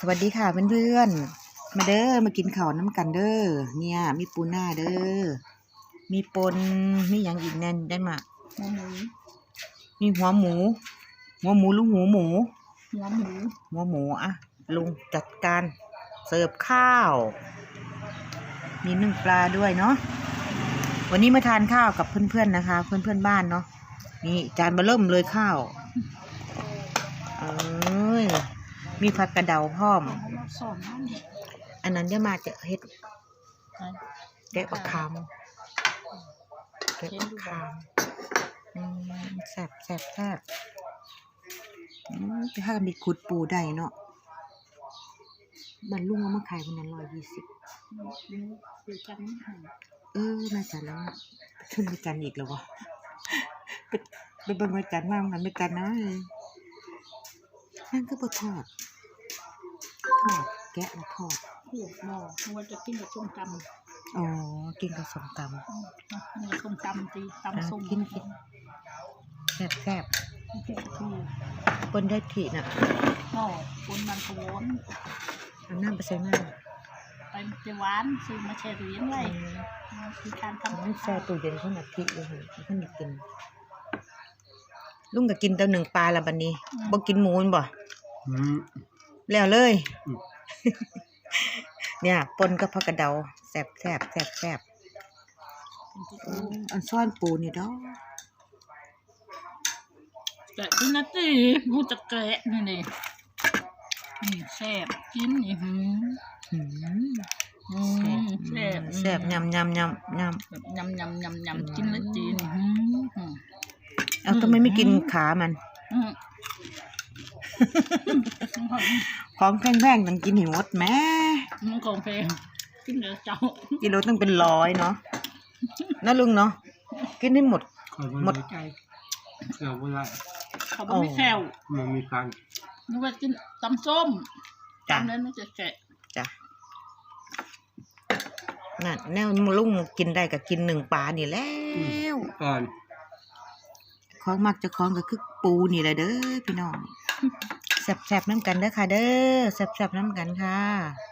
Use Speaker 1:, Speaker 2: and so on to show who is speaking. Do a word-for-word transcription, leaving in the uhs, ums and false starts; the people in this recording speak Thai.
Speaker 1: สวัสดีค่ะเพื่อนๆมาเด้อมากินข้าวน้ำกันเด้อเนี่ยมีปูหน้าเด้อมีปนมีอย่างอีกแน่นได้มา
Speaker 2: หัวหมู
Speaker 1: มีหัวหมูหัวหมูลูกหูหมู
Speaker 2: หัวหมู
Speaker 1: หัวหมูอ่ะลุงจัดการเสิร์ฟข้าวมีนึ่งปลาด้วยเนาะวันนี้มาทานข้าวกับเพื่อนๆนะคะเพื่อนๆบ้านเนาะนี่จานเบอร์เริ่มเลยข้าวเอ้ยมีผักกระเดาพร้อมอันนั้นจะมาจะเฮ็ดแกะปลาคามแกะปลาคามอืมแซ่บแซ่บแซ่บอืมถ้ามีขุดปูได้เนาะบรรลุงเอามาขายวันนั้นร้อยยี่สิบเออมาจันแล้วขึ้นไปจันอีกแล้ววะไปไปเบิ่งไปจันมามันไม่จันนะนั่นก็บะทอดทอดแกะแล้วทอด
Speaker 2: ขวดหม้อเพราะว่าจะกินกับส้มตำ
Speaker 1: อ๋อกินกับส้มตำ
Speaker 2: นี่ส้มตำตีตำส้ม
Speaker 1: กินกินแซ่บแซ่บปนได้ถี่น่ะ
Speaker 2: หม้อปนมันขวน
Speaker 1: เอาน้ำไปใส่น้
Speaker 2: ำไปเจหวานซื้อมาแช่ตู้เย็นไว้คือการทำ
Speaker 1: ไม่แช่ตู้เย็นขนาดที่เลยขนาดกินลุงก็กินแต่หนึ่งปลาละบัดนี้บ่กินหมูนบ่แล้วเลยเนี่ยปนกับผักกระเดาแซ่บแซ่บแซ่บแซ่บอันซ่อนปูนี่ดอก
Speaker 2: แกะกินนะตีมูจะแกะนี่นี่นี่แซ่บกินนี่หืมแซ่บ
Speaker 1: แซ่บยำยำยำยำ
Speaker 2: ยำยำยำยำกินแล้วจีน
Speaker 1: เอาทำไมไม่กินขามันของแพงๆต้องกินให้หมดแม่
Speaker 2: มันของแพงกินเดี๋ยวเจ้า
Speaker 1: กิโลต้องเป็นร้อยเนาะนะลุงเนาะกินให้หมดหมด
Speaker 3: ใจเกี่ยวเวลา
Speaker 2: เขาไม่แซว
Speaker 3: มันมีการ
Speaker 2: นึกว่ากินตำส้มตำนั้นมันจะแกะ
Speaker 1: จ้ะนั่นแนวลุงกินได้ก็กินหนึ่งปลานี่แล้ว
Speaker 3: ก่อน
Speaker 1: ของมักจะคล้องก็คือปูนี่แหละเด้อพี่น้องแซ่บๆน้ำกันเด้อค่ะเด้อแซ่บๆน้ำกันค่ะ